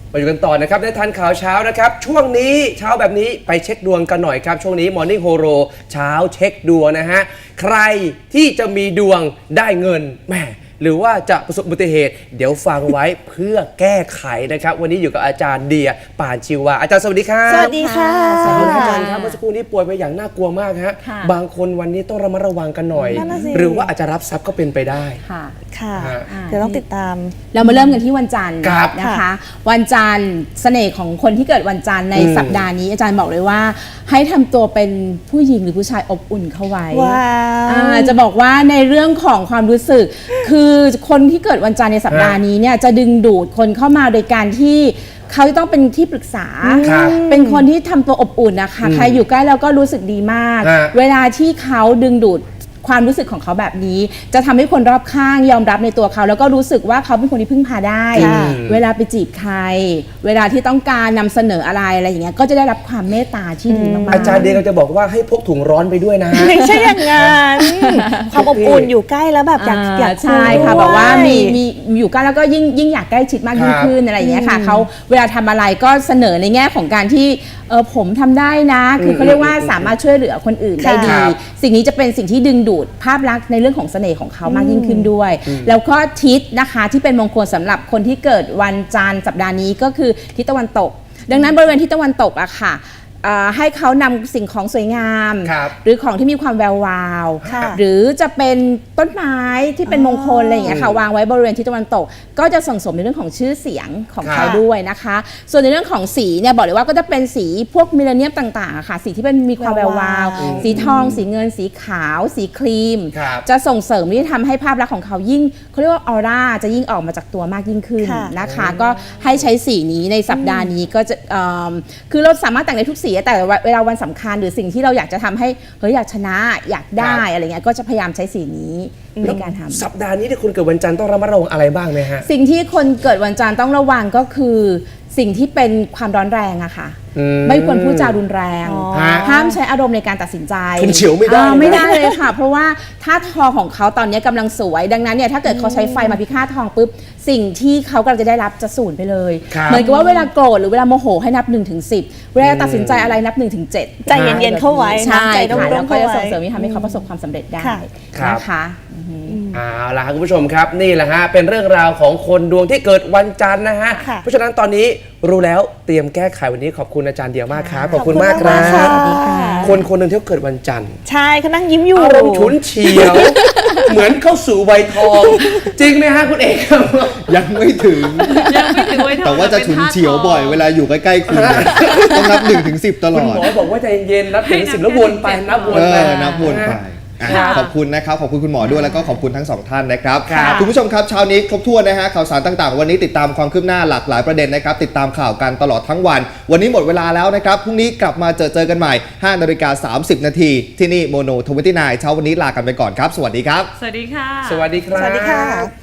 มาอยู่กันต่อนะครับได้ทันข่าวเช้านะครับช่วงนี้เช้าแบบนี้ไปเช็คดวงกันหน่อยครับช่วงนี้ Morning Horo เช้าเช็คดวงนะฮะใครที่จะมีดวงได้เงินแหมหรือว่าจะประสบอุบัติเหตุเดี๋ยวฟังไว้เพื่อแก้ไขนะครับวันนี้อยู่กับอาจารย์เดียป่านชีวาอาจารย์สวัสดีครับสวัสดีค่ะสวัสดีอาจารย์ครับเมื่อสักครู่นี้ป่วยไปอย่างน่ากลัวมากฮะบางคนวันนี้ต้องระมัดระวังกันหน่อยหรือว่าอาจจะรับทรัพย์ก็เป็นไปได้ค่ะเดี๋ยวต้องติดตามเรามาเริ่มกันที่วันจันทร์นะคะวันจันทร์เสน่ห์ของคนที่เกิดวันจันทร์ในสัปดาห์นี้อาจารย์บอกเลยว่าให้ทำตัวเป็นผู้หญิงหรือผู้ชายอบอุ่นเข้าไว้จะบอกว่าในเรื่องของความรู้สึกคือคนที่เกิดวันจันทร์ในสัปดาห์นี้เนี่ยจะดึงดูดคนเข้ามาโดยการที่เขาต้องเป็นที่ปรึกษาเป็นคนที่ทำตัวอบอุ่นนะคะใครอยู่ใกล้แล้วก็รู้สึกดีมากเวลาที่เขาดึงดูดความรู้สึกของเขาแบบนี้จะทำให้คนรอบข้างยอมรับในตัวเขาแล้วก็รู้สึกว่าเขาเป็นคนที่พึ่งพาได้เวลาไปจีบใครเวลาที่ต้องการนำเสนออะไรอย่างเงี้ยก็จะได้รับความเมตตาที่ดีมากๆอาจารย์เดียก็จะบอกว่าให้พกถุงร้อนไปด้วยนะไม่ใช่อย่างนั้นความอบอุ่นอยู่ใกล้แล้วแบบอยากใช่ค่ะบอกว่ามีอยู่ใกล้แล้วก็ยิ่งอยากใกล้ชิดมากยิ่งขึ้นอะไรอย่างเงี้ยค่ะเขาเวลาทำอะไรก็เสนอในแง่ของการที่ผมทำได้นะคือเขาเรียกว่าสามารถช่วยเหลือคนอื่นได้ดีสิ่งนี้จะเป็นสิ่งที่ดึงดูดภาพลักษณ์ในเรื่องของเสน่ห์ของเขามากยิ่งขึ้นด้วยแล้วก็ทิศนะคะที่เป็นมงคลสำหรับคนที่เกิดวันจันทร์สัปดาห์นี้ก็คือทิศตะวันตกดังนั้นบริเวณทิศตะวันตกอะค่ะให้เขานำสิ่งของสวยงามหรือของที่มีความแวววาวหรือจะเป็นต้นไม้ที่เป็นมงคลอะไรอย่างเงี้ยค่ะวางไว้บริเวณทิศตะวันตกก็จะส่งเสริมในเรื่องของชื่อเสียงของเขาด้วยนะคะส่วนในเรื่องของสีเนี่ยบอกเลยว่าก็จะเป็นสีพวกมิลเลนเนียมต่างๆค่ะสีที่เป็นมีความแวววาวสีทองสีเงินสีขาวสีครีมจะส่งเสริมที่ทำให้ภาพลักษณ์ของเขายิ่งเขาเรียกว่าออร่าจะยิ่งออกมาจากตัวมากยิ่งขึ้นนะคะก็ให้ใช้สีนี้ในสัปดาห์นี้ก็จะคือเราสามารถแต่งในทุกสีแต่เวลาวันสำคัญหรือสิ่งที่เราอยากจะทำให้อยากชนะอยากได้อะไรเงี้ยก็จะพยายามใช้สีนี้ในการทำสัปดาห์นี้ที่คุณเกิดวันจันทร์ต้องระมัดระวังอะไรบ้างไหมฮะสิ่งที่คนเกิดวันจันทร์ต้องระวังก็คือสิ่งที่เป็นความร้อนแรงอะค่ะไม่ควรพูดจารุนแรงห้ามใช้อารมณ์ในการตัดสินใจคุณเฉียวไม่ได้ไม่ได้เลยค่ะเพราะว่าถ้าทองของเขาตอนนี้กำลังสวยดังนั้นเนี่ยถ้าเกิดเขาใช้ไฟมาพิฆาตทองปุ๊บสิ่งที่เขากำลังจะได้รับจะสูญไปเลยเหมือนกับว่าเวลาโกรธหรือเวลาโมโหให้นับ 1-10 เวลาตัดสินใจอะไรนับ 1-7 ใจเย็นๆเข้าไว้ใช่ค่ะแล้วก็จะส่งเสริมที่ทำให้เขาประสบความสำเร็จได้นะคะเอาล่ะคุณผู้ชมครับนี่แหละฮะเป็นเรื่องราวของคนดวงที่เกิดวันจันทร์นะฮะเพราะฉะนั้นตอนนี้รู้แล้วเตรียมแก้ไขวันนี้ขอบคุณอาจารย์เดียวมากครับขอบคุณมากครับคนหนึ่งที่เกิดวันจันทร์ใช่เขานั่งยิ้มอยู่อารมณ์ฉุนเฉียวเหมือนเข้าสู่วัยทองจริงไหมฮะคุณเอกยังไม่ถึงแต่ว่าจะฉุนเฉียวบ่อยเวลาอยู่ใกล้ๆคุณต้องนับ 1-10 ตลอดคุณหมอบอกว่าใจเย็นนับ 1-10 แล้ววนไปนับวนไปขอบคุณนะครับขอบคุณคุณหมอด้วยแล้วก็ขอบคุณทั้งสองท่านนะครับคุณผู้ชมครับเช้านี้ครบถ้วนนะฮะข่าวสารต่างๆวันนี้ติดตามความคืบหน้าหลากหลายประเด็นนะครับติดตามข่าวกันตลอดทั้งวันนี้หมดเวลาแล้วนะครับพรุ่งนี้กลับมาเจอกันใหม่ 5:30 น.ที่นี่โมโน29เช้าวันนี้ลากันไปก่อนครับสวัสดีครับสวัสดีค่ะสวัสดีครับสวัสดีค่ะ